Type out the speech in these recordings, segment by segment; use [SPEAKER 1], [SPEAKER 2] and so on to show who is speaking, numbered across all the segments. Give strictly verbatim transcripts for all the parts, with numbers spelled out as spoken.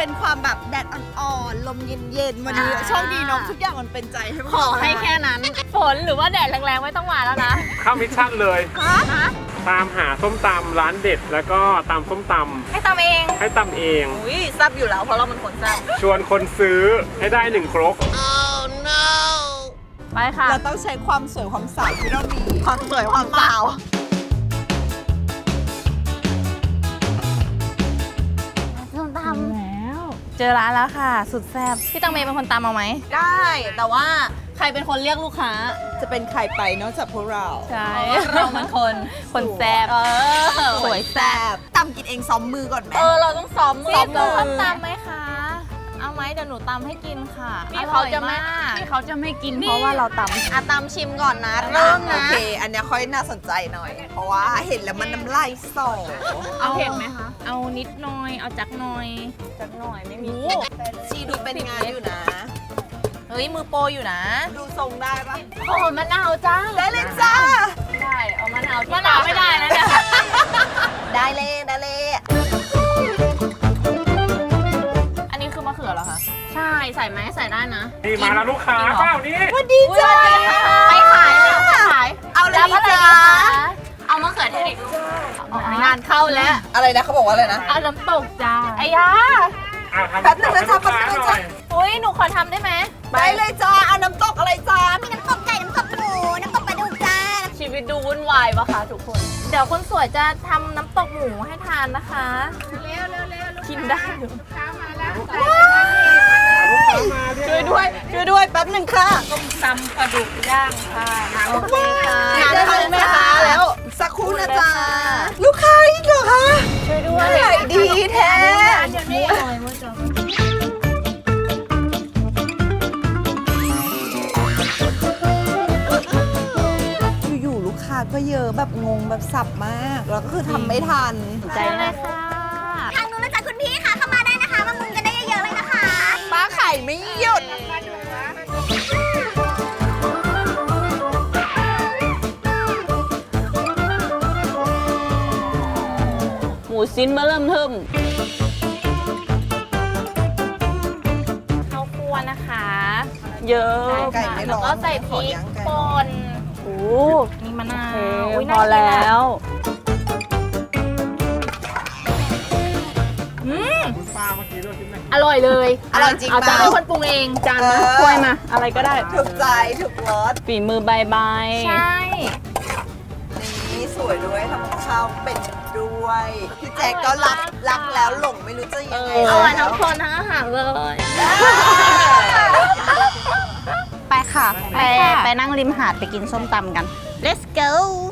[SPEAKER 1] เป็นความแบบแดดอ่อนๆลมเย็นๆวันนี้โชคดีเนาะทุกอย่างมันเป็นใจให้ขอให้แค่นั้นฝนหรือว่าแดดแรงๆไม่ต้องมาแล้วนะ
[SPEAKER 2] เข้ามิชชั่นเลยตามหาส้มตำร้านเด็ดแล้วก็ตำส้มตำ
[SPEAKER 1] ให้ตำเอง
[SPEAKER 2] ให้ตำเอง
[SPEAKER 1] อุ้ยแซ่บอยู่แล้วเพราะเราเป็นคนแซ่บ
[SPEAKER 2] ชวนคนซื้อให้ได้หนึ่งครก
[SPEAKER 1] oh no ไปค่ะเราต้องใช้ความสวยความสาวที่เรามีความสวยความสาวส้มตำแล้วเจอร้านแล้วค่ะสุดแซ่บพี่ตังเมย์เป็นคนตำเอาไหมได้แต่ว่าใครเป็นคนเรียกลูกค้าจะเป็นใครไปนอกจากพวกเราใช่เราเป็นคนคนแซ่บสวยแซ่บตำกินเองซ้อมมือก่อนไหมเออเราต้องซ้อมมือซ้อมมือตำไหมคะเอาไหมเดี๋ยวหนูตำให้กินค่ะพี่เขาจะไม่พี่เขาจะไม่กินเพราะว่าเราตำอ่ะตำชิมก่อนนะเริ่มนะโอเคอันนี้ค่อยน่าสนใจหน่อยเพราะว่าเห็นแล้วมันน้ำลายสอเอาเห็นไหมคะเอานิดหน่อยเอาจักหน่อยจักหน่อยไม่มีชีดูเป็นงานอยู่นะเฮ้ยมือโปรอยู่นะดูทรงได้ปะโอ้มะนาวจ้าได้เลยจ้าได้เอามะนาวมะนาวไม่ได้นะเนี่ยได้เลยได้เลยอันนี้คือมะเขือเหรอคะใช่ใส่ไหมใส่ได้นะ
[SPEAKER 2] นี่มาแล้วลูกค้าเปล่านี่
[SPEAKER 1] สวัสดีจ้าไปขายเลยไปขายเอาเลยจ้าเอามะเขือเทศงานเข้าแล้วอะไรนะเขาบอกว่าอะไรนะเอาน้ำตกจ้าไอ้ยา
[SPEAKER 2] แป๊บนึงนะจ๊ะแป๊บนึงจ้ะ
[SPEAKER 1] อุ้ยหนูขอทำได้ไหมได้เลยจ้าเอาน้ำตกอะไรจ้ามีน้ำตกไก่น้ำตกหมูน้ำตกปลาดุกจ้าชีวิตดูวุ่นวายปะคะทุกคนเดี๋ยวคนสวยจะทำน้ำตกหมูให้ทานนะคะเร็วเร็วเร็วกินได้อยู่ข้าวมาแล้วช่วยด้วยช่วยด้วยแป๊บนึงค่ะต้มตำปลาดุกย่างค่ะโอเคค่ะงานเข้าแม่ค้าแล้วสักครู่นะจ๊ะลูกค้าอีกเหรอคะช่วยด้วยดีแท้เดี๋ยวนี้อร่อยมากจ้ะอยู่ๆลูกค้าก็เยอะแบบงงแบบสับมากแล้วก็คือทำไม่ทันใจเลยค่ะทางนู้นนะจ๊ะคุณพี่ค่ะเข้ามาได้นะคะมามุงกันได้เยอะๆเลยนะคะป้าไข่ไม่หยุดหมูชิ้นมาเริ่มเทิมข้าวคั่วนะคะเยอะแล้วก็ใส่พริกป่นโอ้มีมะนาวพอแล้วอืม
[SPEAKER 2] ปลาเมื่อกี้ด้วยใช่ไหม
[SPEAKER 1] อร่อยเลยอร่อยจริงเอาจานให้คนปรุงเองจานมาถ้วยมาอะไรก็ได้ถูกใจถูกรสฝีมือใบใบใช่นี่สวยด้วยทำข้าวเป็นด้วยพี่แจ๊กก็รักรักแล้วหลงไม่รู้จะยังไงอร่อยทั้งคนทั้งอาหารเลยไปค่ะไปไปนั่งริมหาดไปกินส้มตำกัน let's go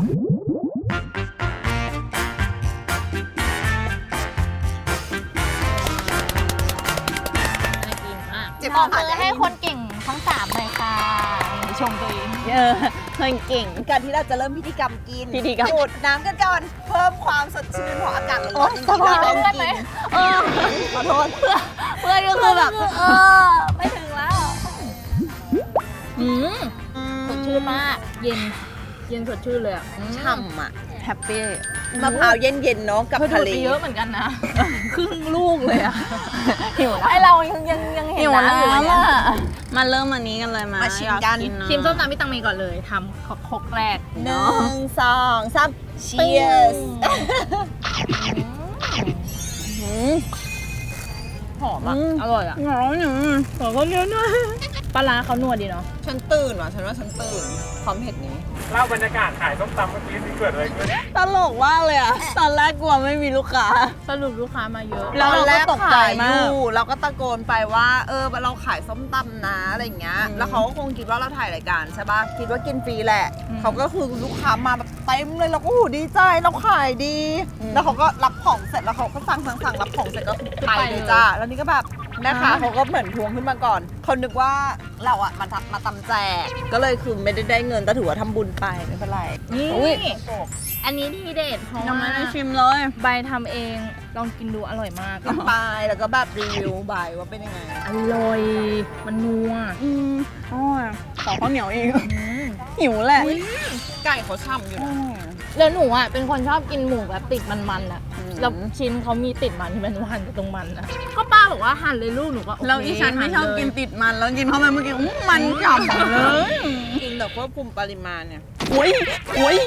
[SPEAKER 1] บอกมือให้คนเก่งทั้งสามเลยค่ะชมตัวเองเออคนเก่งการที่เราจะเริ่มพิธีกรรมกินพิธีกรรมดูดน้ำกันก่อนเพิ่มความสดชื่นของอากาศร้อนจริงๆเราต้องกินเออขอโทษเพื่อเพื่อก็คือแบบเออไม่ถึงแล้วอืมสดชื่นมากเย็นเย็นสดชื่นเลยอ่ะฉ่ำอ่ะแฮปปี้มะพร้าวเย็นๆเนาะกับทะเลเยอะเหมือนกันนะครึ่งลูกเลยอะหิวนะไอเรายังยังยังเห็นน้ำอยู่เลยมาเริ่มอันนี้กันเลยมามาชิมกันชิมส้มตำพี่ตังเมย์ก่อนเลยทำครกแรกหนึ่งสองสาม cheers หอมอ่ะอร่อยอ่ะหอมหนึ่งหอมก็เยอะด้วยปลาร้าเขานัวดีเนาะฉันตื่นว่ะฉันว่าฉันตื่นความเผ็ดนี้
[SPEAKER 2] เล่าบรรยากาศขายส้มตำเมื่อกี้ที่เกิดอะไรขึ้น
[SPEAKER 1] ตลกมากเลยอะตอนแรกกลัวไม่มีลูกค้าสรุปลูกค้ามาเยอะเราก็ตกใจมากเราก็ตะโกนไปว่าเออเราขายส้มตำนะอะไรอย่างเงี้ยแล้วเขาก็คงคิดว่าเราถ่ายรายการใช่ป่ะคิดว่ากินฟรีแหละเขาก็คือลูกค้ามาแบบเต็มเลยเราก็หูดีใจเราขายดีแล้วเขาก็รับของเสร็จแล้วเขาก็สั่งสั่งสั่งรับของเสร็จก็ไปเลยจ้าแล้วนี่ก็แบบนะคะเขาก็เหมือนทวงขึ้นมาก่อนเขานึกว่าเราอะมามาตำแจกก็เลยคือไม่ได้ได้เงินแต่ถือว่าทำบุญไปไม่เป็นไรนี่อันนี้ทีเด็ดเพราะว่าชิมเลยใบทำเองลองกินดูอร่อยมากกินไปแล้วก็แบบรีวิวใบว่าเป็นยังไงอร่อยมันนัวอืมอ๋อขอข้าวเหนียวเองหิวแหละไก่เขาฉ่ำอยู่นะแล้วหนูอ่ะเป็นคนชอบกินหมูแบบติดมันๆอ่ะแล้วชิ้นเขามีติดมันที่มันหั่นตรงมันนะก็ป้าบอกว่าหั่นเลยลูกหนูก็แล้วอีฉันไม่ชอบกินติดมันแล้วกินเข้าไปเมื่อกี้มันฉ่ำเลยกินแบบควบคุมปริมาณเนี่ยโอ้ยโอ้ย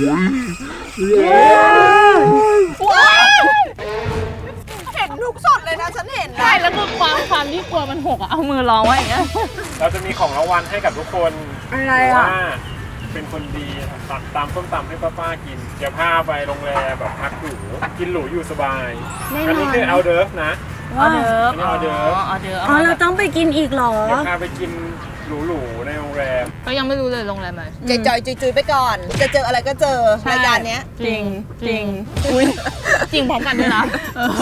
[SPEAKER 1] ว้าวเห็นทุกสดเลยนะฉันเห็นใช่แล้วคือความความที่กลัวมันหกอะเอามือรองไว้อย่างเงี้ย
[SPEAKER 2] เราจะมีของรางวัลให้กับทุกคน
[SPEAKER 1] อะไร
[SPEAKER 2] ว่า
[SPEAKER 1] อ่ะ
[SPEAKER 2] เป็นคนดีตัดตามส้มตำให้ป้าๆกิน เดี๋ยวพาไปโรงแรมแบบพักหรูกินหรูอยู่สบายอันนี้คือเอาเดิร์ฟนะ
[SPEAKER 1] ออเดิร์ฟ
[SPEAKER 2] อันนี้ออเดิร์ฟ
[SPEAKER 1] ออเดิร์ฟ
[SPEAKER 3] อ๋อเราต้องไปกินอีกเหรอ
[SPEAKER 2] เดี๋ยวพาไปกินหรูๆในโรงแรม
[SPEAKER 1] ก็ยังไม่รู้เลยโรงแรมไหน
[SPEAKER 3] จอยๆจุยๆไปก่อน จะเจออะไรก็เจอรายการเนี้ย
[SPEAKER 1] จริงจริงอุ้ยจริงพร้อมกันด้วยนะ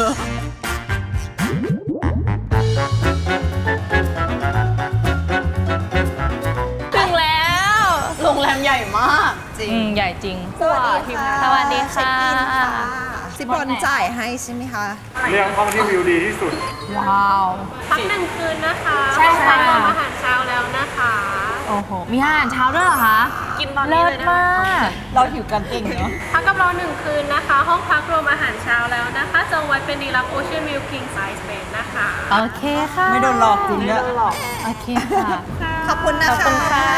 [SPEAKER 1] ถึงแล้วโรงแรมใหญ่มากจริงใหญ่จริง
[SPEAKER 3] สวัสดีค่ะ
[SPEAKER 1] สวัสดีค่ะ
[SPEAKER 3] ซิบอลจ่ายให้ใช่ไหมคะ
[SPEAKER 2] เรื่องห้องที่วิวดีที่สุด
[SPEAKER 1] ว้าว
[SPEAKER 4] พักหนึ่งคืนนะคะ
[SPEAKER 1] ใช่ค่ะ
[SPEAKER 4] ห้องพักรวมอาหารเช้าแล้วนะคะ
[SPEAKER 1] โอ้โหมีอาหารเช้าด้วยเหรอคะ
[SPEAKER 4] กินตอนนี้
[SPEAKER 1] เลิ
[SPEAKER 4] เล
[SPEAKER 1] ศ
[SPEAKER 4] ยนะ
[SPEAKER 1] มากเราหิวกันเก่งเนาะ
[SPEAKER 4] พักกับเราหนึ่งคืนนะคะ ห้องพักรวมอาหารเช้าแล้วนะคะจองไว้เป็นดีลักโอเชียนวิวคิงไซส์เบดนะคะ
[SPEAKER 1] โอเคค่ะ
[SPEAKER 3] ไม่โดนหลอกจริงด้วย
[SPEAKER 1] โอเคค่ะ
[SPEAKER 3] ขอบคุณนะ
[SPEAKER 1] ขอบ
[SPEAKER 3] คะ
[SPEAKER 1] คุณค่ะ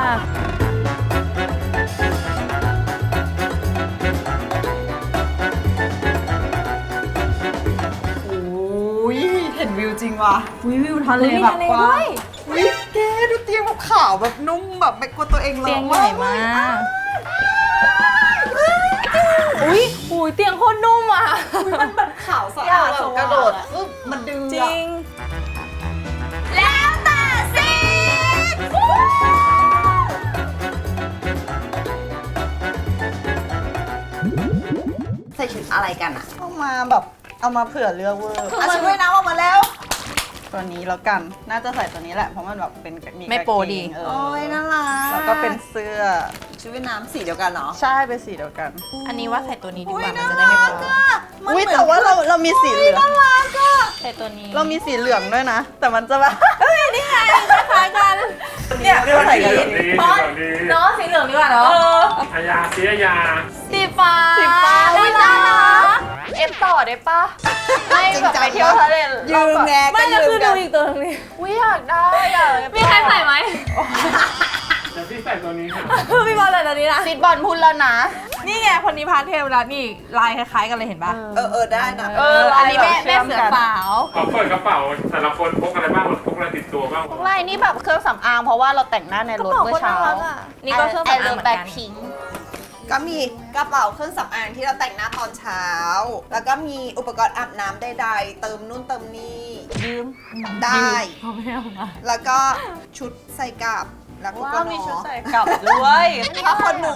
[SPEAKER 3] โอ้ยเห็นวิวจริงว่ะ
[SPEAKER 1] วิวทะเลแบบกว้าง
[SPEAKER 3] วิแกดูเตียงแบบขาวแบบนุ่มแบบไม่กลัวตัวเองร้อน
[SPEAKER 1] เตียงใหญ่มากอุ้ยอุ้ยเตียงโคตรนุ่มอ่ะ
[SPEAKER 3] มันแบบขาวสะอาดสกระโดดอึ๊บมันดึง
[SPEAKER 1] จริง
[SPEAKER 3] แล้วแต่สิใส่ชุดอะไรกันอะเอามาแบบเอามาเผื่อเลือกเวอร์อ่ะชุดว่ายน้ำออกมาแล้ว ตัวนี้แล้วกัน น่าจะใส่ตัวนี้แหละ เพราะมันแบบเป็นมี
[SPEAKER 1] ไม่โปรดี
[SPEAKER 3] เออโอ้ยน่ารักแล้วก็เป็นเสื้อชุดว่ายน้ำสีเดียวกันเนาะ ใช่ เป็นสีเดียวกัน
[SPEAKER 1] อันนี้ว่าใส่ตัวนี้ดีกว่ามันจะได้ไม่โป๊ะ
[SPEAKER 3] อุ้ยแต่ว่าเราเรามีสีเหลือง
[SPEAKER 1] ใส่ตัวนี้
[SPEAKER 3] เรามีสีเหลืองด้วยนะ แต่มันจะแบบ
[SPEAKER 1] เฮ้ยนี่ไงคล้ายๆกัน
[SPEAKER 3] เนี่ยเราใส่กัน
[SPEAKER 2] สีเหลืองดี
[SPEAKER 1] บอล
[SPEAKER 2] สีเหลืองดี
[SPEAKER 1] เนาะสีเหลืองดีกว่าเนาะ
[SPEAKER 2] อายาสีอายา
[SPEAKER 1] สีฟ้า
[SPEAKER 3] สีฟ้า
[SPEAKER 1] อุ้ยน่ารักเอฟต่อได้ปะไม่แบบไปเที่ยวทะเล
[SPEAKER 3] ยืมแง
[SPEAKER 1] ไม่
[SPEAKER 3] ก็
[SPEAKER 1] ก็
[SPEAKER 3] ยื
[SPEAKER 1] คือ
[SPEAKER 3] มกั
[SPEAKER 1] ดู
[SPEAKER 3] น
[SPEAKER 1] อีกตัวนึงดิอุ้ยอยากได้อ่ะมีใครใส่ไหม
[SPEAKER 2] เดี๋ยวพี่ใส่ตัวนี้ค่ะ
[SPEAKER 1] พี่บอลใส่ตัวนี้นะซิดบอลพูดแล้วนะ นี่ไงคนนี้พาเทลแล้วนี่ลายคล้ายๆกันเลยเห็นปะ
[SPEAKER 3] เออเออได้นะ
[SPEAKER 1] เอออันนี้แม่แม่เสือสาว
[SPEAKER 2] ขอเปิดกระเป๋าแต่ละคนพกอะไรบ้างพกอะไรติดตัวบ้าง
[SPEAKER 3] ไล่นี่แบบเครื่องสำอางเพราะว่าเราแต่งหน้าในรถเมื่อเช้า
[SPEAKER 1] นี่ก็เครื่องสำอางเหมือนกัน
[SPEAKER 3] ก็มีกระเป๋าเครื่องสำอางที่เราแต่งหน้าตอนเช้า แล้วก็มีอุปกรณ์อาบน้ำใดๆเติมนู่นเติมนี่ยืมได้
[SPEAKER 1] เขาไม่เอามา
[SPEAKER 3] แล้วก็ชุดใส่กลับแล้วก็
[SPEAKER 1] ว้า
[SPEAKER 3] ก็
[SPEAKER 1] วมีชุดใส่
[SPEAKER 3] กลับด้วยผ้าขนหนู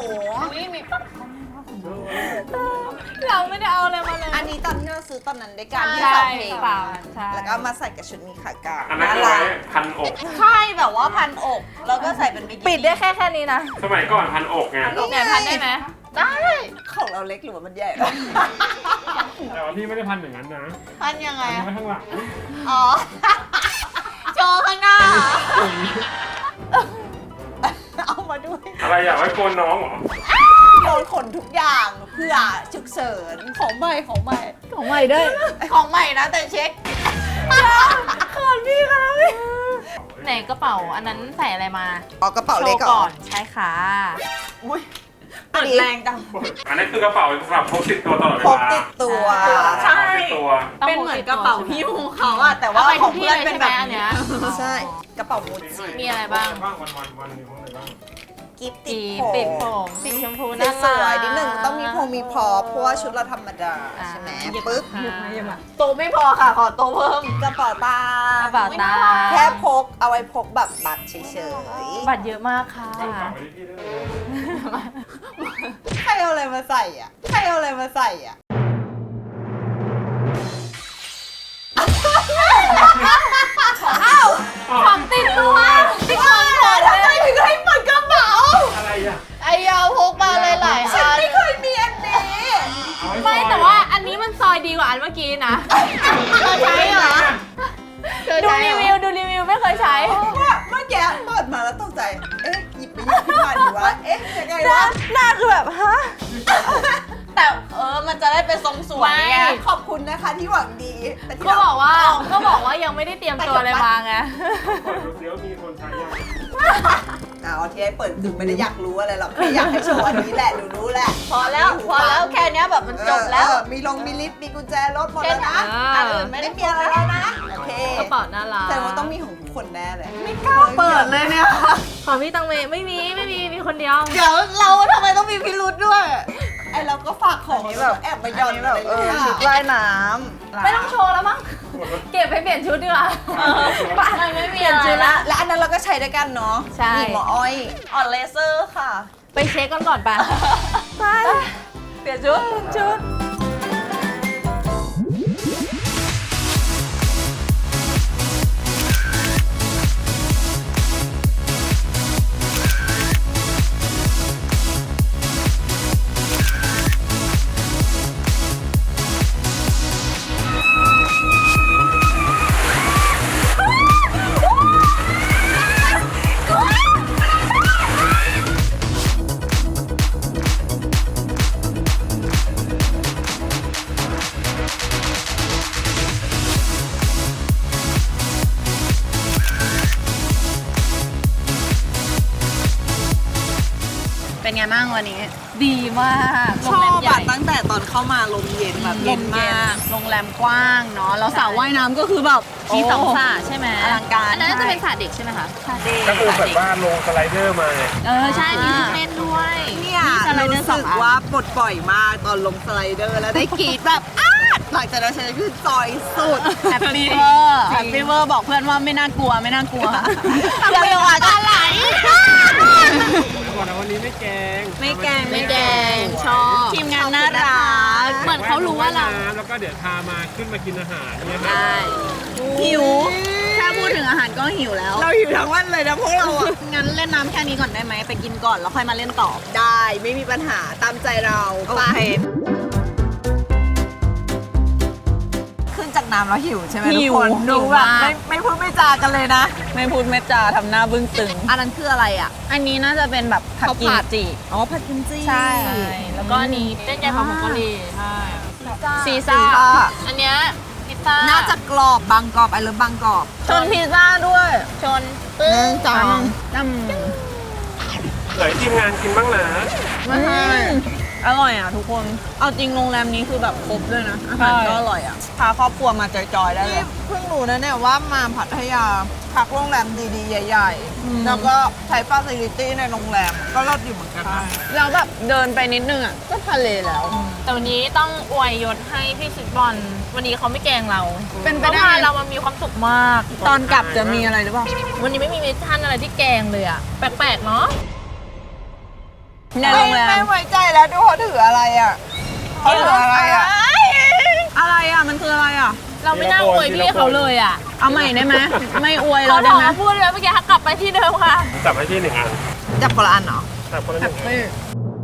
[SPEAKER 1] เราไม่ได้เอาอะไรมาเลย
[SPEAKER 3] อันนี้ตอนที่เราซื้อตอนนั้นด้วยกันที่
[SPEAKER 1] ใช่
[SPEAKER 3] สองเพลง
[SPEAKER 1] เปล่าใช่
[SPEAKER 3] แล้วก็มาใส่กับชุดมีขากาว
[SPEAKER 2] อันนั้นคือไว้พันอก
[SPEAKER 3] ใช่แบบว่าพันอกแล้วก็ใส่เป็นบิกินี่
[SPEAKER 1] ปิดได้แค่แค่นี้นะ
[SPEAKER 2] สมัยก่อนพันอกไง
[SPEAKER 1] ไหนพันได้ไหม
[SPEAKER 3] ได้ของเราเล็กหรือว่ามันใหญ่
[SPEAKER 2] แต่ว่าพี่ไม่ได้พันอย่างนั้นนะ
[SPEAKER 3] พันยังไง
[SPEAKER 2] พันไว้ข้างหลัง
[SPEAKER 3] อ๋อ โชว์ข้างหน้า เอามาด้วย
[SPEAKER 2] อะไรอยากไว้โกนน้องเหรอ
[SPEAKER 3] โดนขนทุกอย่างเพื่อฉุกเฉินของใหม่ของใหม่
[SPEAKER 1] ของใหม่ด้วย
[SPEAKER 3] ของใหม่นะแต่เช็ค
[SPEAKER 1] ขอนพี่ค่ะพี่ไหนกระเป๋าอันนั้นใส่อะไรมา
[SPEAKER 3] อ๋อกระเป๋าเล็ก
[SPEAKER 1] โชว์
[SPEAKER 3] ก่อน
[SPEAKER 1] ใช่ค่ะ
[SPEAKER 3] อุ้ย
[SPEAKER 1] อันนี้แรงจัง
[SPEAKER 2] อันนี้คือกระเป๋าสำหรับพกติดตัวตลอดเว
[SPEAKER 3] พก
[SPEAKER 2] ลา
[SPEAKER 3] ติดตัว
[SPEAKER 2] ใช่ติดตัว
[SPEAKER 3] เป็นเหมือนกระเป๋าหิ้วของเขาอะแต่ว่าของเพื่อนเป็นแบบ
[SPEAKER 1] อันเนี้ย
[SPEAKER 3] ใช่กระเป๋ามูจิ
[SPEAKER 1] มีอะไรบ้าง
[SPEAKER 2] บ้างวันวันวันหนึ่งวันไหนบ้าง
[SPEAKER 3] กิฟต์ติ
[SPEAKER 1] สี
[SPEAKER 3] ดผม
[SPEAKER 1] ปิดผมสีชมพูน่า
[SPEAKER 3] ส
[SPEAKER 1] รัก
[SPEAKER 3] วยๆนิดนึงต้องมีพงมีพอเพราะว่าชุดเราธรรมดาใช่ไหมปึ๊บ
[SPEAKER 1] โตไม่พอค่ะ ขอโตเพิ่ม
[SPEAKER 3] กระเป๋าตาก
[SPEAKER 1] ระเป๋าตา
[SPEAKER 3] แค่พกเอาไว้พกแบบบัตรเฉย
[SPEAKER 1] บัตรเยอะมากค่ะ
[SPEAKER 2] เอากลับไปที่พี่ได้เลย
[SPEAKER 3] ๆใครเอาอะไรมาใส่อ่ะใครเอาอะไรมาใส่อ่ะ
[SPEAKER 1] อ้าวของติดตัวติดตัวหมด
[SPEAKER 3] ทำไม
[SPEAKER 1] เลย
[SPEAKER 3] ถึงให้เปิดกระเป๋า
[SPEAKER 2] อะไรอ่ะ
[SPEAKER 1] ไอยาวพกมาหลายๆ
[SPEAKER 3] ฉัน
[SPEAKER 1] อัน
[SPEAKER 3] ไม่เคยมีอันนี้
[SPEAKER 2] เอาว้
[SPEAKER 1] ไม่
[SPEAKER 2] ซอย
[SPEAKER 1] แต่ว่าอันนี้มันซอยดีกว่าอันเมื่อกี้นะเคยใช้เหรอดูรีวิวดูรีวิวไม่เคยใช้
[SPEAKER 3] ว่าเมื่อกี้เปิดมาแล้วตกใจ เอ๊ะหยิบไปหยิบขึ้นมาดีวะ เอ๊ะยังไงวะ
[SPEAKER 1] หน้าคือแบบฮะ
[SPEAKER 3] แต่เออมันจะได้เป็นทรงสวยไง
[SPEAKER 1] ไม่
[SPEAKER 3] ขอบคุณนะคะที่หวังดีแต่ที่
[SPEAKER 1] ก็บอกว่า
[SPEAKER 3] เ
[SPEAKER 1] ก็บอกว่ายังไม่ได้เตรียมตัวอะไรมาไง
[SPEAKER 2] เปิดดูซิว่ามีคนใช้ยัง
[SPEAKER 3] เอาที่ให้เปิดคือไม่ได้อยากรู้อะไรหรอกแค่อยากให้โชว์อันนี้แหละหนูรู้แหละ
[SPEAKER 1] พอแล้วพอแล้วแค่เนี้ยแบบมันจบแล้ว
[SPEAKER 3] เออมีลงมีลิฟต์มีกุญแจรถหมดแล้วนะ
[SPEAKER 1] แค่
[SPEAKER 3] อั
[SPEAKER 1] นั้น
[SPEAKER 3] นอื่นไม่ได้มีอะไรแล้วนะโอเค
[SPEAKER 1] กระเป๋าน่ารัก
[SPEAKER 3] แต่ว่าต้องมีของทุกคนแน่เลยไม่กล้าเปิดเลยเนี่ย
[SPEAKER 1] ของพี่ตังเมไม่มีไม่มีมีคนเดียว
[SPEAKER 3] เดี๋ยวเราทำไมต้องมีพิรุธด้วยไอเราก็ฝากของแบบแอบไปหย่อนแบบเออชุดว่ายน้ำ
[SPEAKER 1] ไม่ต้องโชว์แล้วมั้งเก็บไปเปลี่ยนชุดดีกว่าไปไม่เปลี่ยนชุดละ
[SPEAKER 3] และอันนั้นเราก็ใช้ด้วยกันเนาะ
[SPEAKER 1] ใช่
[SPEAKER 3] นี่หมออ้อยออนเลเซอร์ค่ะ
[SPEAKER 1] ไปเช็คกันก่อนไปไปเปลี่ยนชุดชุด
[SPEAKER 3] เป็นไงบ้างวันนี้
[SPEAKER 1] ดีมาก
[SPEAKER 3] ชอบแบบตั้งแต่ตอนเข้ามาลมเย็นแบบเย็นมากโรงแรมกว้างเนาะแล้วสระว่ายน้ำก็คือแบบ
[SPEAKER 1] มีสองสระใช่ไหม
[SPEAKER 3] อลังการ
[SPEAKER 1] อันนั้นจะเป็นสระเด็กใช่ไหมคะสระเด็ก
[SPEAKER 2] ก็คือแบบว่าลงสไลเดอร์มาไง
[SPEAKER 1] เออใช่มีที่เล่นด้วย
[SPEAKER 3] เนี่ย
[SPEAKER 1] มีสไลเดอ
[SPEAKER 3] รู้
[SPEAKER 1] ร์สอ
[SPEAKER 3] สึ
[SPEAKER 1] ง
[SPEAKER 3] ก
[SPEAKER 1] อัน
[SPEAKER 3] ว่าปลดปล่อยมากตอนลงสไลเดอร์แล้วได้กรีดแบบอ้าดหลังจากนั้นฉันคือจอยสุดแฮปปี้เวอร์แฮปปี้เวอร์บอกเพื่อนว่าไม่น่ากลัวไม่น่ากลัวเพื่อนเลยว่าจะไหล
[SPEAKER 2] แล้วบอกนะวันนี้ไม่แกง
[SPEAKER 3] ไม่แกง
[SPEAKER 1] ไม่แดงชอบ
[SPEAKER 3] ทีมงานน่ารัก
[SPEAKER 1] เหมือนเขารู้ว่าเรา
[SPEAKER 2] น้ำแล้วก็เดี๋ยวพามาขึ้นมากินอาหารเนี่ยครั
[SPEAKER 1] ใช่
[SPEAKER 3] หิวถ้าพูดถึงอาหารก็หิวแล้ว เราหิวทั้งวันเลยนะพวกเราอ่ะงั้นเล่นน้ำแค่นี้ก่อนได้ไหมไปกินก่อนแล้วค่อยมาเล่นต่อได้ไม่มีปัญหาตามใจเราไปขึ้นจากน้ำแล้วหิวใช่ไหมทุกคน
[SPEAKER 1] หิว
[SPEAKER 3] ดูแบบ
[SPEAKER 1] มาก
[SPEAKER 3] ไม่ไม่พูดไม่จากันเลยนะ ไม่พูดไม่จาทำหน้าบึ้งตึง อันนั้นคืออะไรอ่ะ อันนี้น่าจะเป็นแบบผัดกิมจิอ๋อผัดกิมจิ
[SPEAKER 1] ใช่แล้วก็อันนี้เต้นใจของผงกะหรี่ใช่ซี
[SPEAKER 3] ซี
[SPEAKER 1] ซ่า
[SPEAKER 3] ซ่า
[SPEAKER 1] อันเนี้ยพิซซ่า
[SPEAKER 3] น่าจะกรอบบางกรอบไอ้เลิฟบางกรอบชนพิซซ่าด้วย
[SPEAKER 1] ชนปึ้ง
[SPEAKER 3] จังจ
[SPEAKER 2] ไหนทีมงานกินบ้างนะ
[SPEAKER 3] ำไม่อร่อยอ่ะทุกคน เอาจริงโรงแรมนี้คือแบบครบด้วยนะ อาหารก็อร่อยอ่ะ พาครอบครัวมาจอยๆได้เลย
[SPEAKER 5] เพิ่งรู้นะเนี่ยว่ามาพัทยาพักโรงแรมดีๆ ใหญ่ๆ แล้วก็ใช้ฟาซิลิตี้ในโรงแรมก็รอดอยู่เหมือนกันนะ
[SPEAKER 3] แล้วแบบเดินไปนิดนึงอ่ะ ก็ทะเลแล้ว
[SPEAKER 1] แต่วันนี้ต้องอวยยศให้พี่ซิดบอลวันนี้เขาไม่แกล้งเรา
[SPEAKER 3] เป็นไป
[SPEAKER 1] เขา
[SPEAKER 3] ได้
[SPEAKER 1] พาเรามามีความสุขมาก
[SPEAKER 3] ตอนกลับจะมีอะไรหรือเปล่า
[SPEAKER 1] วันนี้ไม่มีมิชชั่นอะไรที่แกล้งเลยอะแปลกๆเนาะ
[SPEAKER 3] ในโรงแร
[SPEAKER 5] ไม่
[SPEAKER 3] ม
[SPEAKER 5] ไว้ใจแล้วดูเขาถืออะไรอ่ะเขาถืออะไรอ่ะ
[SPEAKER 3] อะไรอ่ะ มันคืออะไรอ่ะ
[SPEAKER 1] เราไม่น่าอวยพี่เขาเลยอะ
[SPEAKER 3] เอาใหม่ได้ไหม ไม่อวย
[SPEAKER 1] เขา
[SPEAKER 3] เรา
[SPEAKER 1] บ
[SPEAKER 3] ได้
[SPEAKER 1] อก
[SPEAKER 3] ไหม
[SPEAKER 1] ว่าพูดเลยเมื่อกี้กลับไปที่เดิมค่ะ
[SPEAKER 2] จับให้ที่หนึ่งอัน
[SPEAKER 3] จับคนละอันเหรอ
[SPEAKER 2] จับคนละหนึ่งอัน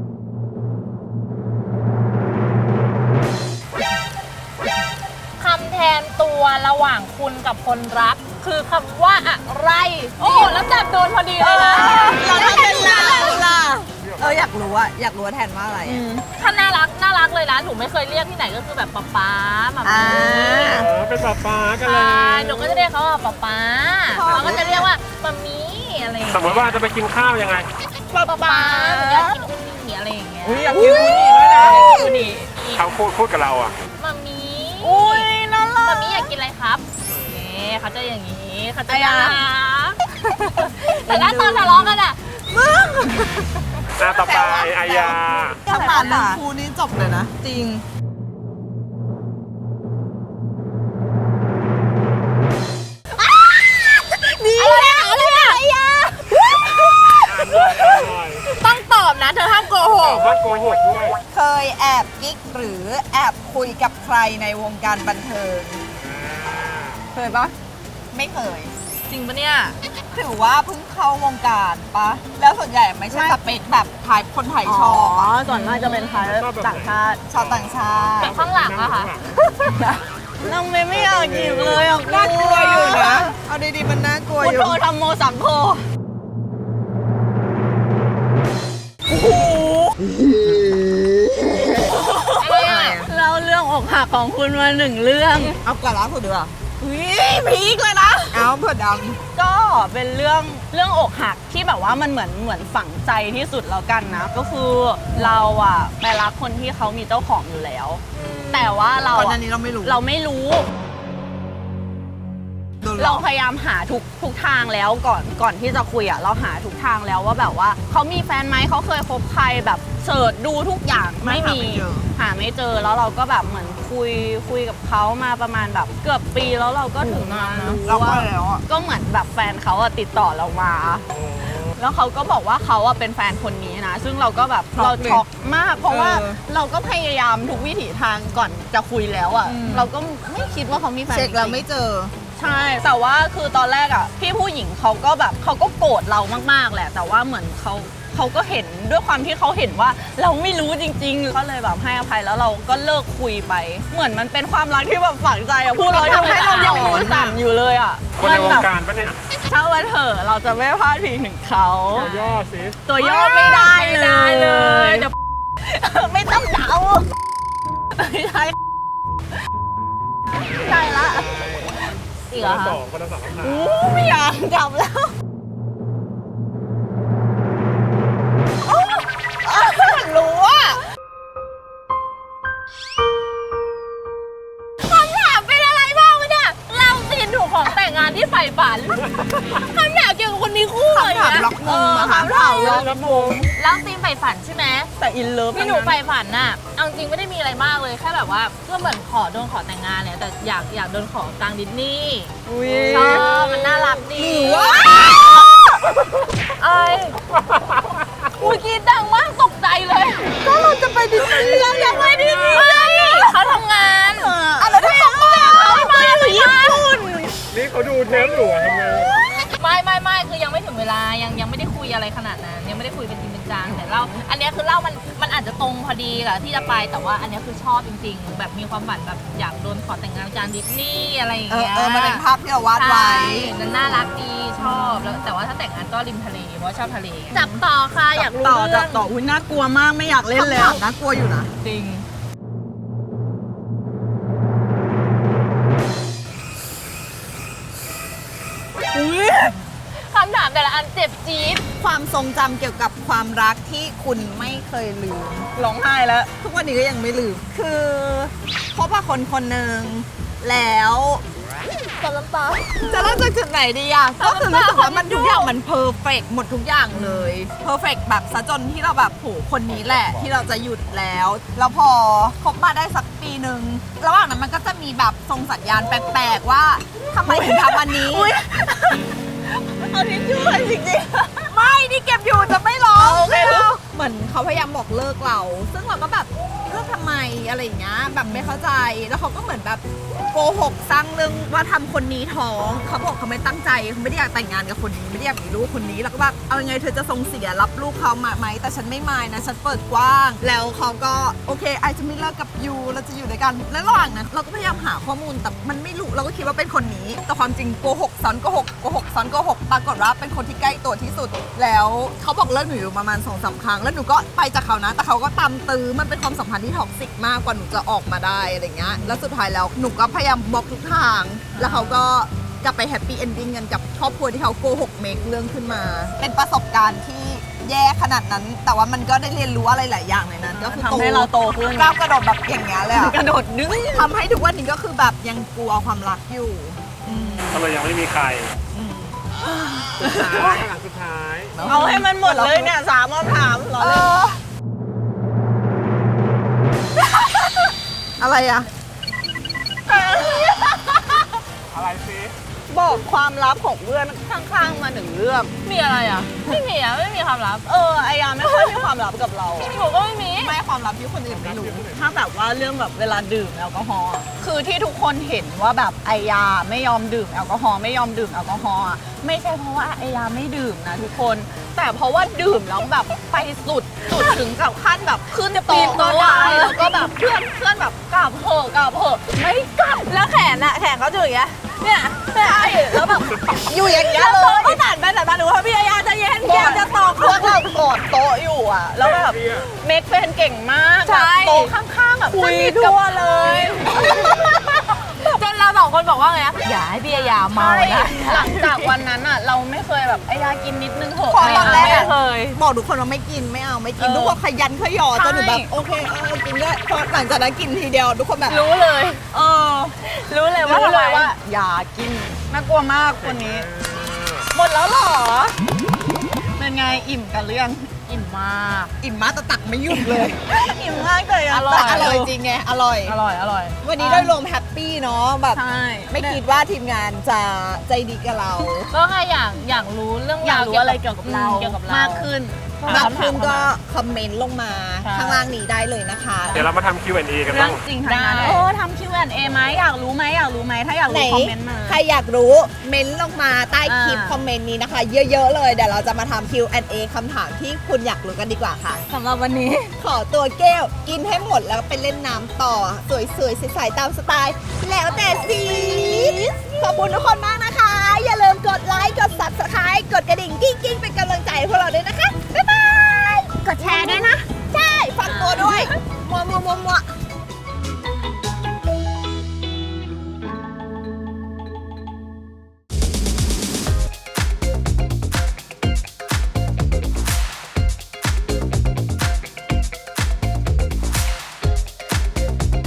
[SPEAKER 1] คำแทนตัวระหว่างคุณกับคนรัก คือคำว่าอะไร โอ้โหแล้วจับโดนพอดีเลยนะ
[SPEAKER 3] เราถ้าเป็นเราล่ะ เอออยากรู้อะอยากรู้ว่าแทนว่าอะไรอะ
[SPEAKER 1] ถ้าน่ารักน่ารักเลยนะหนูไม่เคยเรียกที่ไหนก็คือแบบป๊าป๊าหมา
[SPEAKER 3] อ่า
[SPEAKER 1] มี
[SPEAKER 2] อ๋อเป็นปลาปลากันเล
[SPEAKER 1] ใช่
[SPEAKER 2] ย
[SPEAKER 1] หนูก็จะเรียกเขาว่าป๊าป๊าเขาก็จะเรียกว่ามัมมี่อะไรอย่าง
[SPEAKER 2] ส
[SPEAKER 1] เงี้
[SPEAKER 2] ม
[SPEAKER 1] ย
[SPEAKER 2] มติว่าจะไปกินข้าวยังไง
[SPEAKER 1] ป๊าป๊าหนูอยากกินอุนี่อะไรอย่างเงี้ย
[SPEAKER 3] อุ้ยอยากกินอูนี่ด้วยนะ
[SPEAKER 1] อุนี่อีก
[SPEAKER 2] เขาพูดพูดกับเราอ่ะ
[SPEAKER 1] มัมมี่
[SPEAKER 3] อุ้ยน่ารัก
[SPEAKER 1] มัมมี่อยากกินอะไรครับนี่เขาจะอย่างนี้เขาจะ
[SPEAKER 3] อ่ะ
[SPEAKER 1] น่ารักแต่ถ้าตอนทะเลาะกันอะ
[SPEAKER 2] หน้าต่อไปอายา
[SPEAKER 5] ถ้าผ่านหนึ่งคูนี้จบเลยนะ จริง
[SPEAKER 1] อะไรอะอะไรอะ
[SPEAKER 2] อ่านหน่อยอ่านหน่อย
[SPEAKER 1] ต้องตอบนะเธอห้ามโกห
[SPEAKER 2] ตอก บว่าโกหกด้วย
[SPEAKER 5] เคยแอบกิ๊กหรือแอบคุยกับใครในวงการบันเทิง เคยปะไม่เคย
[SPEAKER 1] จริงปะเนี่ย
[SPEAKER 5] ถือว่าเพิ่งเข้าวงการปะแล้วส่วนใหญ่ไม่ใช่สเปคแบบไทยคนไทยชอบอะ
[SPEAKER 3] ส่วนมากจะเป็นไทยต่างชาติ
[SPEAKER 5] ชาวต่างชาติ
[SPEAKER 1] แบบข้างหลังอะค่ะ
[SPEAKER 3] น้องเมย์ไม่อยากจีบเลยอ่ะ
[SPEAKER 5] น่ากลัวอยู่นะ เอาดีๆมันน่ากลัว
[SPEAKER 3] พุท
[SPEAKER 5] อยู่
[SPEAKER 3] โธธรรมโมสังโฆอกหักของคุณมาหนึ่งเรื่อง
[SPEAKER 5] เอาก่อนล่าสุดดีกว่า
[SPEAKER 3] อุ้ยพีคเลยนะ
[SPEAKER 5] เอาเผื่อด
[SPEAKER 3] ก็เป็นเรื่องเรื่องอกหักที่แบบว่ามันเหมือนเหมือนฝังใจที่สุดแล้วกันนะ ก็คือเราอะไปรักคนที่เขามีเจ้าของอยู่แล้ว แต่ว่าเรา
[SPEAKER 5] ำก่อนห
[SPEAKER 3] อะ
[SPEAKER 5] น้านี้เราไม่รู้
[SPEAKER 3] เราไม่รู้
[SPEAKER 5] โดนหล
[SPEAKER 3] เรา
[SPEAKER 5] อก
[SPEAKER 3] พยายามหาทุกทุกทางแล้วก่อนก่อนที่จะคุยอะเราหาทุกทางแล้วว่าแบบว่าเขามีแฟนไหมเขาเคยคบใครแบบเสิร์ชดูทุกอย่างไม่มีหาไม่เจอแล้วเราก็แบบเหมือนคุยคุยกับเขามาประมาณแบบเกือบปีแล้วเราก็ถึงมารู้
[SPEAKER 5] เราก็
[SPEAKER 3] ว่า
[SPEAKER 5] แล้วอ่ะ
[SPEAKER 3] ก็เหมือนแบบแฟนเขาอะติดต่อเรามา แล้วเขาก็บอกว่าเขาอะเป็นแฟนคนนี้นะ ซึ่งเราก็แบบ
[SPEAKER 5] ช็อก
[SPEAKER 3] เรา
[SPEAKER 5] เลย
[SPEAKER 3] ช็อกมาก เพราะว่า
[SPEAKER 5] เออ
[SPEAKER 3] เราก็พยายามทุกวิถีทางก่อนจะคุยแล้วอะ
[SPEAKER 5] อืม
[SPEAKER 3] เราก็ไม่คิดว่าเขามีแฟน
[SPEAKER 5] เช็คเรา
[SPEAKER 3] จริงๆ
[SPEAKER 5] ไม่เจอ
[SPEAKER 3] ใช่ แต่ว่าคือตอนแรกอะพี่ผู้หญิงเขาก็แบบเขาก็โกรธเรามากๆแหละ แต่ว่าเหมือนเขาเขาก็เห็นด้วยความที่เขาเห็นว่าเราไม่รู้จริงๆ ก็เลยแบบให้อภัยแล้วเราก็เลิกคุยไป เหมือนมันเป็นความรักที่แบบฝังใจอะพูดแล้วยังให้เรายังมือสั่นอยู่เลยอะ
[SPEAKER 2] คนในว
[SPEAKER 3] มั
[SPEAKER 2] ง
[SPEAKER 3] แบบ
[SPEAKER 2] การปะเนี่ย
[SPEAKER 3] ถ้าวันเถอะเราจะไม่พลาดพิงถึงเขา
[SPEAKER 2] ตัวย่อสิ
[SPEAKER 3] ตัวย่อไม่ได้เลย
[SPEAKER 1] ไม่ได้เลยเดี๋ยว
[SPEAKER 3] ไม่ต้องเดาไม่ใช่ไม่ใช่ละอีกเหรอ
[SPEAKER 2] ส
[SPEAKER 3] คะ
[SPEAKER 2] องคนละสองคำถาม
[SPEAKER 3] อู้ไม่อยากจับแล้วโอ๊ยรู้อ่ะ
[SPEAKER 1] คำถามเป็นอะไรบ้างวะเนี่ยเราซีนถูกของแต่งงานที่ใฝ่ฝันคำถามเกี่ยวกับคนมีคู่เลย
[SPEAKER 5] คำถาม
[SPEAKER 1] นะ
[SPEAKER 5] ล็อกมุมอะ
[SPEAKER 1] เออ
[SPEAKER 5] ค่ะ
[SPEAKER 1] คำถามล็อก
[SPEAKER 2] รับมง
[SPEAKER 1] แล้วซีนใฝ่ฝันใช่ไหม
[SPEAKER 3] แต่อินเลิฟ
[SPEAKER 1] ที่หนูใฝ่ฝันน่ะเอาจริงไม่ได้มีอะไรมากเลยแค่แบบว่าก็เหมือนขอโดนขอแต่งงานเนี่ยแต่อยากอยากโดนขอกลางดิสนีย์
[SPEAKER 3] อุ้ย
[SPEAKER 1] ชอบมันน่ารักดีไอ้อุ้ยกรีดดังมากตกใจเลย
[SPEAKER 5] ก็เราจะไปดิสนีย์
[SPEAKER 1] เรายังไม่ได้ดีเขาทำงาน
[SPEAKER 5] อะไรที่เขามา
[SPEAKER 1] เขามาญี่ปุ่น
[SPEAKER 2] นี่เขาดูเทปอยู่อะทำไง
[SPEAKER 1] ไม่ไม่ไม่คือยังไม่ถึงเวลายังยังไม่ได้คุยอะไรขนาดนั้นยังไม่ได้คุยเป็นจริงเป็นจังแต่เราอันเนี้ยคือเล่ามันมันอาจจะตรงพอดีกับที่จะไปแต่ว่าอันเนี้ยคือชอบจริงๆ แบบมีความฝันแบบอยากโดนขอแต่งงานจานดิสนีย์อะไรอย่าง
[SPEAKER 5] เออ
[SPEAKER 1] เงี้ย
[SPEAKER 5] เออมันเป็นภาพที่เราวาดไว้
[SPEAKER 1] ใช่นั่นน่ารักดีชอบแล้วแต่ว่าถ้าแต่งงานก็ริมทะเลเพราะว่าชอบทะเลจับต่อค่ะอยากรู้
[SPEAKER 3] ต่อ
[SPEAKER 1] เรื่
[SPEAKER 3] จั
[SPEAKER 1] อบ ง
[SPEAKER 3] ต่ออุ้ยน่ากลัวมากไม่อยากเล่น
[SPEAKER 5] คำ
[SPEAKER 3] แล้
[SPEAKER 5] ถาว มน่ากลัวอยู่นะ
[SPEAKER 1] จริงคำถามแต่ละอันเจ็บจี๊ด
[SPEAKER 5] ความทรงจำเกี่ยวกับความรักที่คุณไม่เคยลืม
[SPEAKER 3] ร้องไห้แล้ว
[SPEAKER 5] ทุกวันนี้ก็ยังไม่ลืม คือพบกับคนคนหนึ่งแล้ว
[SPEAKER 1] ตอนน้ำตา
[SPEAKER 5] จะเริ่มจากจุดไหนดีอ่ะ ก็คือรู้สึกว่ามันทุกอย่างมันเพอร์เฟกหมดทุกอย่างเลยเพอร์เฟกแบบซะจนที่เราแบบโหคนนี้แหละที่เราจะหยุดแล้ว แล้วพอคบมาได้สักปีหนึ่งระหว่างนั้นมันก็จะมีแบบทรงสัญญาณแปลกๆว่าทำไมถึงทำอันนี้
[SPEAKER 3] เอาทิชชู่เลยจริง
[SPEAKER 5] ไม่นี่เก็บอยู่จะไม่ร้อง
[SPEAKER 3] โอเค
[SPEAKER 5] เหมือนเขาพยายามบอกเลิกเรา ซึ่งเราก็แบบเลิกทำไมอะไรอย่างเงี้ยแบบไม่เข้าใจ แล้วเขาก็เหมือนแบบโกหกสร้างเรื่องว่าทำคนนี้ท้องเขาบอกเขาไม่ตั้งใจเขาไม่ได้อยากแต่งงานกับคนนี้ไม่ได้อยากมีลูกคนนี้แล้วก็แบบเอายังไงเธอจะทรงเสียรับลูกเขามาไหมแต่ฉันไม่มายนะฉันเปิดกว้าง แล้วเขาก็โอเคไอจะไม่เลิกกับยูเราจะอยู่ด้วยกันและระหว่างนั้นเราก็พยายามหาข้อมูลแต่มันไม่รู้เราก็คิดว่าเป็นคนนี้แต่ความจริงโกหกซ้อนโกหกโกหกซ้อนโกหกปรากฏว่าเป็นคนที่ใกล้ตัวที่สุด แล้วเขาบอกเลิกหนูอยู่ประมาณสองสามครั้งแล้วหนูก็ไปจากเขานะแต่เขาก็ตามตื้อมันเป็นความสัมพันธ์ที่ท็อกซิกมากกว่าหนูจะออกมาได้อะไรเงี้ยแล้วสุดท้ายแล้วหนูก็พยายามบล็อกทุกทาง แล้วเขาก็กลับไปแฮปปี้เอนดิ้งกันกับครอบครัวที่เขาโกหกเมคเรื่องขึ้นมา เป็นประสบการณ์ที่แย่ขนาดนั้น แต่ว่ามันก็ได้เรียนรู้อะไรหลายอย่างในนั้น ก็คือ
[SPEAKER 3] ทำให้เราโตขึ้น
[SPEAKER 5] ก้าวกระโดดแบบอย่างเงี้ยเลยอะ
[SPEAKER 3] กระโดดดึง
[SPEAKER 5] ทำให้ทุกวันนี้ก็คือแบบยังกลัวความรักอยู่อืม
[SPEAKER 2] ก็เลยยังไม่มีใคร
[SPEAKER 5] อืม
[SPEAKER 2] สุดท้ายหลังสุดท้าย
[SPEAKER 3] เอาให้มันหมดเลยเนี่ยสามคำถามเหรอ
[SPEAKER 5] เอออะไรอะ
[SPEAKER 2] อะไรซิ
[SPEAKER 3] บอกความลับของเพื่อนข้างๆมาหนึ่งเรื่อง
[SPEAKER 1] มีอะไรอ่ะไม่มีอ่ะไม่มีความลับ
[SPEAKER 3] เออไอยาไม่ค่อยมีความลับกับเรา
[SPEAKER 1] หนูก็ไม่มี
[SPEAKER 5] ไม่ความลับที่คนอื่นไม่รู้
[SPEAKER 3] ถ้าแบบว่าเรื่องแบบเวลาดื่มแอลกอฮอล์อะคือที่ทุกคนเห็นว่าแบบไอยาไม่ยอมดื่มแอลกอฮอล์ไม่ยอมดื่มแอลกอฮอล์อะไม่ใช่เพราะว่าไอยาไม่ดื่มนะทุกคน แต่เพราะว่าดื่มแล้วแบบไปสุดสุดถึงกับขั้นแบบขึ้นโต๊ะโต๊ะอะแล้วก็แบบเพื่อนเพื่อนแบบกลับเหอะกลับเหอะไม่กลับแล้วแขนอะแขนเขาจะอย่างเงี้ยเนี่ยใช่แล้วแบบ
[SPEAKER 5] อยู่อย่างเงี้ย
[SPEAKER 3] แล้ว
[SPEAKER 5] เล
[SPEAKER 3] โต๊ะ
[SPEAKER 5] ย
[SPEAKER 3] ก็สั่นไปสั่นมาหนูว่าพี่ยาจะเย็นแกจะตอกเพื่อนเรากอดโต๊ะอยู่อ่ะแล้วแบบเมคเฟนเก่งมาก
[SPEAKER 1] ใช่
[SPEAKER 3] แบบโต๊ะข้างแบบ
[SPEAKER 1] คุย
[SPEAKER 3] สนิทกับ
[SPEAKER 1] ทั่วเลย จนเราสองคนบอกว่าไงนะอย่าให้พี่ยาเมา
[SPEAKER 3] ใช่
[SPEAKER 1] นะ
[SPEAKER 3] หลังจากวันนั้นอ่ะเราไม่เคยแบบไอ้ยากินนิดนึงเถอะ
[SPEAKER 5] พอตอนแรก
[SPEAKER 1] ไม่
[SPEAKER 5] อะ
[SPEAKER 1] เคย
[SPEAKER 5] บอกทุกคนว่าไม่กินไม่เอาไม่กิน
[SPEAKER 3] เออ
[SPEAKER 5] ทุกคนขยันขยอจนหนูแบบ
[SPEAKER 3] ใช่
[SPEAKER 5] โอเคเออกินด้วยพอหลังจากนั้นกินทีเดียวทุกคนแบบ
[SPEAKER 1] รู้เลย
[SPEAKER 3] เออ
[SPEAKER 1] รู้เลยว่า
[SPEAKER 3] รู้
[SPEAKER 1] ทำไม
[SPEAKER 3] เลยว่าอย่ากินน่ากลัวมากคนนี้ หมดแล้วเหรอ เป็นไงอิ่มกันหรือยัง
[SPEAKER 1] อิ่มมาก
[SPEAKER 5] อิ่มมากแต่ตักไม่หยุดเลย
[SPEAKER 3] อิ่มมากเลยะ
[SPEAKER 1] อร่อย
[SPEAKER 5] แต่อร่อยจริงไงอร่อย
[SPEAKER 1] อร่อยอร่อย
[SPEAKER 5] วันนี้โดยรวมแฮปปี้เนาะแบบ
[SPEAKER 3] ใช่
[SPEAKER 5] ไม่คิดว่าทีมงานจะใจดีกับเรา
[SPEAKER 1] ก็ใครอยากอยากรู้เรื่อง
[SPEAKER 3] อยาก
[SPEAKER 1] ราว
[SPEAKER 3] รู้อะไรเกี่ยวกับเรา
[SPEAKER 1] เกี่ยวกับเรา
[SPEAKER 3] มากขึ้น
[SPEAKER 5] มากขึ้นก็คอมเมนต์ลงมา
[SPEAKER 1] ใช่
[SPEAKER 5] ข้างล่างนี้ได้เลยนะคะ
[SPEAKER 2] เดี๋ยวเรามาทำ คิว แอนด์ เอ กัน
[SPEAKER 3] เรื่อ
[SPEAKER 2] บ้าง ง
[SPEAKER 3] จริงทั้งนั้น
[SPEAKER 1] ได้
[SPEAKER 3] เออทำ คิว แอนด์ เอ ไหมอยากรู้ไหมอยากรู้ไหมถ้าอยาก
[SPEAKER 5] ไหน
[SPEAKER 3] รู้คอมเมนต์มา
[SPEAKER 5] ใครอยากรู้เมนต์ลงมาใต้คลิป
[SPEAKER 3] อ่า
[SPEAKER 5] คอมเมนต์นี้นะคะ เยอะๆเลยเดี๋ยวเราจะมาทำ คิว แอนด์ เอ คำถามที่คุณอยากรู้กันดีกว่าค่ะ
[SPEAKER 3] สำหรับวันนี้
[SPEAKER 5] ขอตัวแก้วกินให้หมดแล้วไปเล่นน้ำต่อ สวยๆใสๆตามสไตล์ แล้วแต่สีขอบคุณทุกคนมากนะคะ อย่าลืมกดไลค์ กด ซับสไครบ์ กดกระดิ่งกิ้งๆ เป็นกำลังใจให้พวกเราด้วยนะคะ